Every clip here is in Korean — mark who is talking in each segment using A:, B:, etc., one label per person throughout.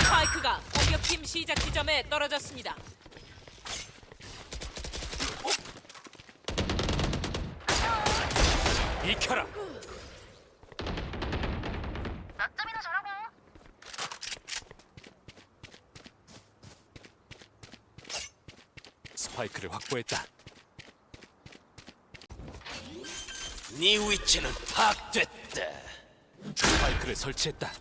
A: 스파이크가 공격팀 시작 지점에 떨어졌습니다.
B: 비켜라.
C: 낮잠이나 자라고.
B: 스파이크를 확보했다.
D: 네 위치는 파악됐다.
B: 스파이크를 설치했다.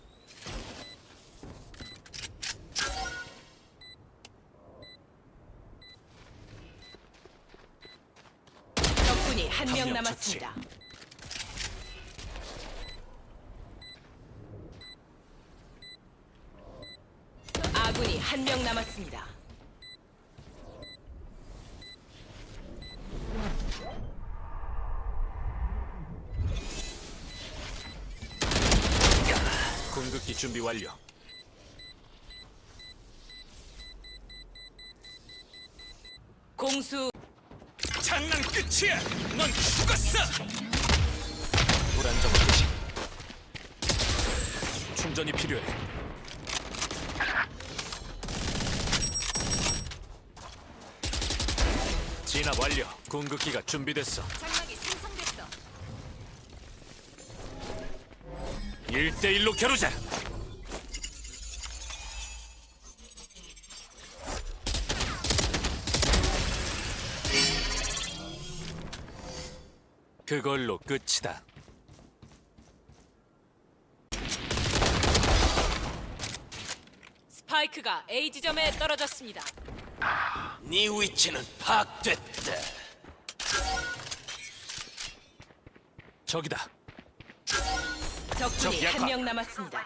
A: 적군이 한 명
B: 명
A: 남았습니다. 아군이 한 명 남았습니다.
B: 궁극기 준비 완료.
A: 공수
B: 장난 끝이야. 넌 죽었어. 불안정 표시. 충전이 필요해. 진압 완료. 궁극기가 준비됐어.
A: 장막이 생성됐어.
B: 1대1로 겨루자. 그걸로 끝이다.
A: 스파이크가 A 지점에 떨어졌습니다.
D: 네 위치는 파악됐다.
B: 저기다.
A: 적군이
B: 적 약화.
A: 한 명 남았습니다.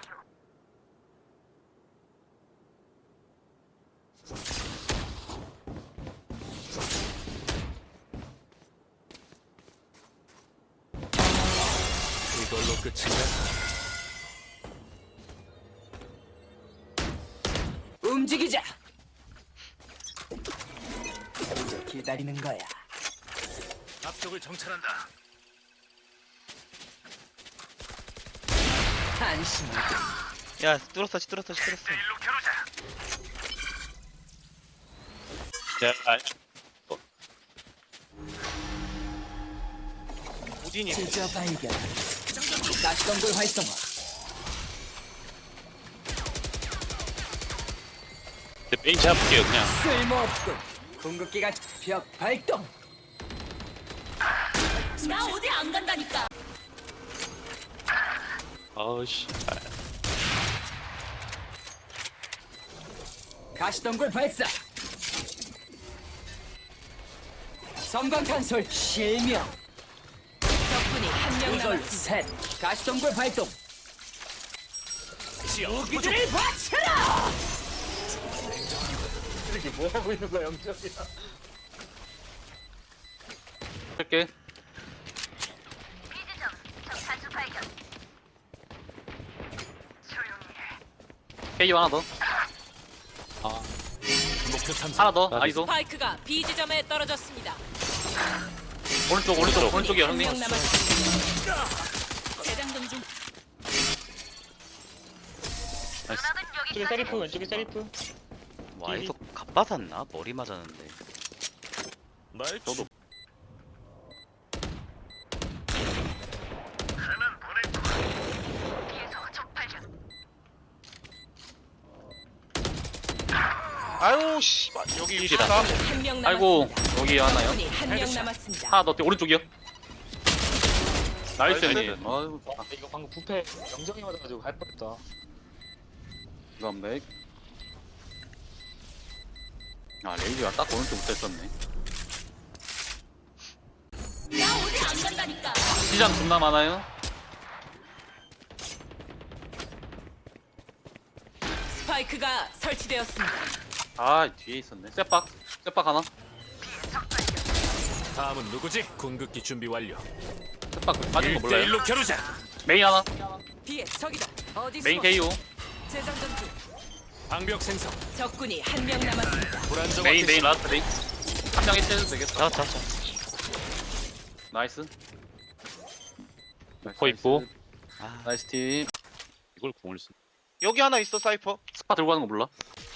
B: 이걸로 끝인가?
E: 움직이자. 기다리는 거야.
B: 앞쪽을 정찰한다.
E: 안심.
F: 야 뚫었어 뚫었어 뚫었어.
B: 일로 겨루자.
F: 야
B: 우딘이
E: 진짜 발견. 가시덤불 활성화.
F: 메인 잡을게요 그냥.
E: 쓸모없군. 궁극기가 벽 발동.
A: 나 어디 안 간다니까.
F: 아우씨.
E: 가시덤불 발사. 섬광탄솔 실명.
A: 적군이 한 명
E: 이걸
A: 남았습니다.
E: 셋. 가시덤불 발동.
B: 지역
E: 무기들을 바쳐라.
F: 할게.
C: 비지점 적 단수 발견. 조용히 해.
F: 케이 하나 더.
B: 목표 탐색.
F: 하나 더. 아이소.
A: 스파이크가 B 지점에 떨어졌습니다.
F: 오른쪽이야
A: 한
F: 형님.
A: 명 남았습니다. 재장전 중.
C: 누나는 여기
G: 세리프 왼쪽에 세리프.
F: 와 아이소 갑바샀나? 머리 맞았는데.
B: 날
F: 저도.
C: 뒤에서 적 발견.
F: 아유 씨. 여기 위시다.
A: 한 명 남았습니다.
F: 아이고 여기 하나요?
A: 적군이 한 명 남았습니다.
F: 하나 더 오른쪽이요. 나이스 형님. 아유
G: 이거 방금 부패 영정이 맞아가지고 할 뻔했다.
F: 이건백. 아 레이지가 딱 오른쪽 붙어있었네.
A: 나 어디 안 간다니까.
F: 시장 존나 많아요.
A: 스파이크가 설치되었습니다.
F: 아 뒤에 있었네. 셋박 하나.
B: 다음은 누구지? 궁극기 준비 완료.
F: 셋박 빠진 거 몰라요?
B: 1대1로 겨루자.
F: 메인 하나.
A: 뒤에 적이다. 어디
F: 메인
A: 숨었어?
F: KO.
A: 재장전 중.
B: 방벽 생성.
A: 적군이 한 명 남았습니다.
B: 불안정.
F: 메인 라스트 메인. 한 명이 째도 되겠다. 자. 나이스.
G: 거 있고.
F: 나이스 팀.
H: 이걸 공을 쓰. 여기 하나 있어 사이퍼.
I: 스파 들고 가는 거 몰라?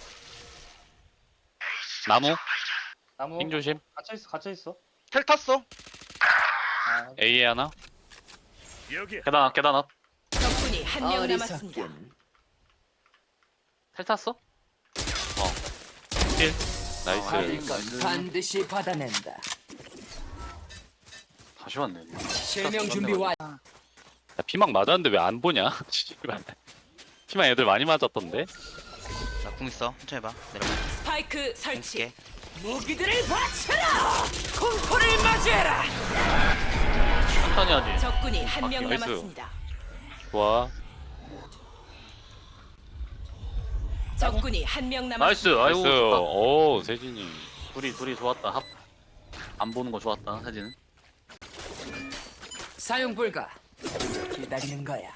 I: 나무
G: 나무
I: 핑 조심.
G: 갇혀있어.
H: 텔 탔어.
G: 아,
I: A에 하나.
B: 여기야.
I: 계단 앞.
A: 적군이 한 명 남았습니다.
E: 어리석군.
I: 텔 탔어? 힐. 나이스.
E: 받을 건 반드시 받아낸다.
I: 다시 왔네.
E: 실명 준비 완.
I: 야, 피망 맞았는데 왜 안 보냐? 씨발. 피망 애들 많이 맞았던데.
F: 나 궁 있어. 천천히 봐. 내려가.
A: 스파이크 설치.
F: 볼게.
A: 무기들을 바쳐라. 공포를 맞이해라.
I: 천천히 하지.
A: 적군이 한 명
I: 나이스.
A: 남았습니다.
I: 좋아.
A: 적군이 한 명
I: 나이스.
A: 남았습니다.
I: 아이고.
F: 나이스.
I: 좋다. 오 세진이. 둘이 좋았다. 합. 안 보는 거 좋았다. 세진은.
E: 사용 불가. 기다리는 거야.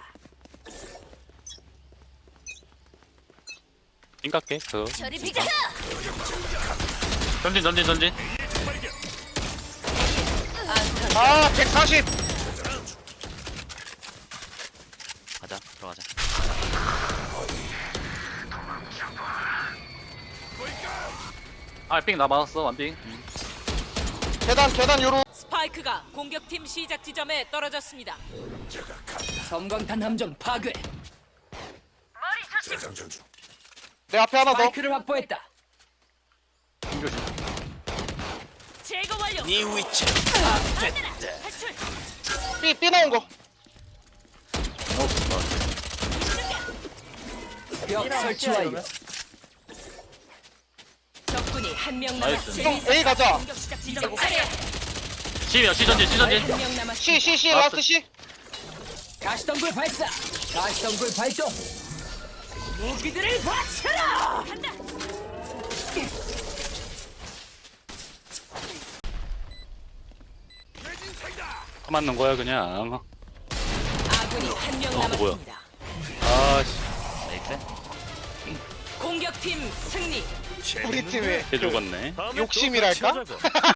I: 띵깎게. 그.
C: 저리 비켜.
I: 전진.
H: 아 140.
F: 가자. 들어가자.
I: 아삥 나 맞았어. 완빙.
H: 계단 요로.
A: 스파이크가 공격팀 시작 지점에 떨어졌습니다.
E: 섬광탄 함정 파괴.
C: 머리 조심.
H: 내 앞에 하나 더.
E: 마이크를 확보했다.
A: 제거 완료.
D: 네 위치는 파악됐다.
A: 탈출.
H: 삐 나온 거.
E: 벽 설치 완료.
A: 적군이 한 명
I: 나이스.
A: 남았습니다.
H: 형 A 가자.
A: 공격 시작 지점 차례.
I: C야. C 전진.
A: 한명 남았습니다.
H: C 라스트 C.
E: 가시덩굴 발사. 가시덩굴 발동.
A: 무기들을 바쳐라. 간다.
I: 터 맞는 거야 그냥.
A: 아군이 한 명
I: 뭐야.
A: 남았습니다.
I: 아씨.
F: 나이스.
A: 공격팀 승리.
H: 우리 팀에
I: 개 죽었네.
B: 다음에 또
H: 욕심이랄까?
B: 같이 하자고.